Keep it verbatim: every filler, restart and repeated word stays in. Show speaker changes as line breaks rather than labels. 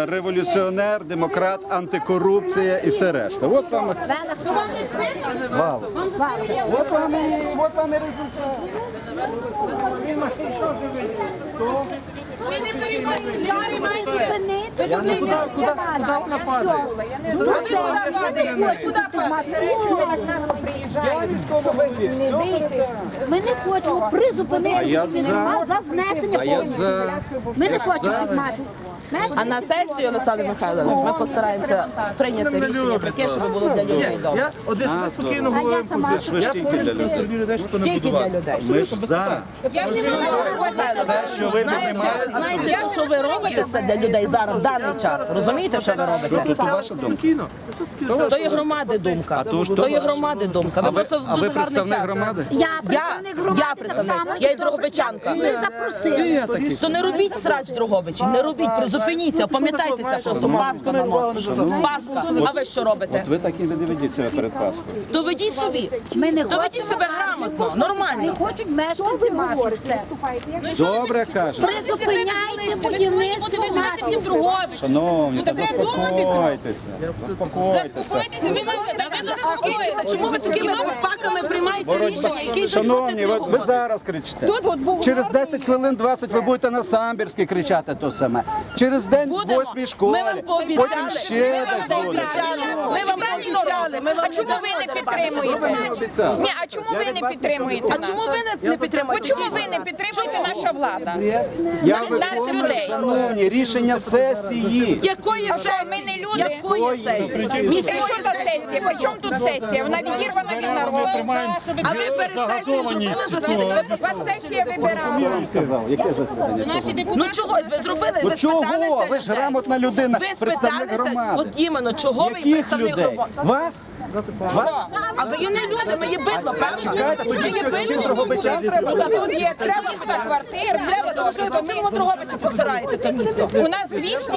революціонер, демократ, антикорупція і все решта. От вам, вау. От вам, і- от вам і результат.
Я не куди, куди, куди вона падає?
Ми не хочемо призупинити
А я за.
за знесення
А я
повністю.
за.
Ми не хочемо під мафію.
А на сесію, Олександр Михайлович, ми постараємося прийняти рішення таке, щоб було для людей добре.
Я один себе спокійно говорив позицію.
Ви ж
Я
тільки
повністю
для людей.
люблю людей, що не
Тільки для
будувати.
людей.
Ми ж за. Все, що ви піднімаєте,
Знаєте, що ви робите це для людей зараз, в даний час? Розумієте, що ви робите?
то ваша думка.
Спокійно.
То є громади думка.
то ж то
То є
ваша.
громади думка.
А
Ви
ви,
просто
а
в
ви
дуже гарний
представник
час.
громади?
Я
Я,
представник громади,
я
так
представник,
само,
я і
і
Дрогобичанка.
Ми запросили.
То не робіть срач, Дрогобичі, не робіть, призупиніться, пам'ятайтеся просто, Пасха на нос. Пасха, а ви що робите?
Ви так і не ведіть себе перед Пасхою.
То ведіть собі,
Ми не
то ведіть
хочемо.
себе грамотно,
Не
нормально.
хочуть мешканці мафії. Все.
Добре каже.
Призупиняйте будівництво мафії.
Шановні, та заспокойтеся. Заспокойтеся.
Заспокойтеся, ви заспокоїтеся. Чому ви такими паками приймаєте рішення, які йдуть
Шановні,
проти
ви,
цього?
ви зараз кричите. Через десять хвилин двадцять ви будете на Самбірській кричати то саме. Через день в
Будемо.
восьмій
Ми
школі.
вам пообіцяли.
Потім ще
Ми
десь
вам
буде.
пообіцяли. Ми вам пообіцяли. Ми вам
А чому ви не підтримуєте?
Обіцяв.
Ні, а чому ви не підтримуєте
А
нас?
чому ви не, не підтримуєте?
Чому ви не підтримуєте наша влада?
Я
Нас
виконую,
людей.
шановні, рішення сесії.
Якої
А що,
сесії?
ми не люди?
Якої сесії?
І
Міської
що за сесія? При чому тут сесія? Вона відірвана від народу.
А ви перед сесією зробили засідання? Ви
Вас сесія вибирала.
Сказав, яке засідання?
Ну чогось ви зробили?
Ну
Ви
чого?
спиталися
Ви ж
людей?
грамотна людина,
Ви
представник
спиталися,
громади.
от іменно, чого ви
Яких
представник
людей?
громади?
Вас? Вас?
А ви є не люди, ми є бидло, правильно?
Чекайте,
Ми
тоді
є
всі
бидло.
Дрогобичан
Ну, та тут є, треба
триста квартир.
Треба, тому що ви по цілому Дрогобичі посираєте то місто.
У нас двісті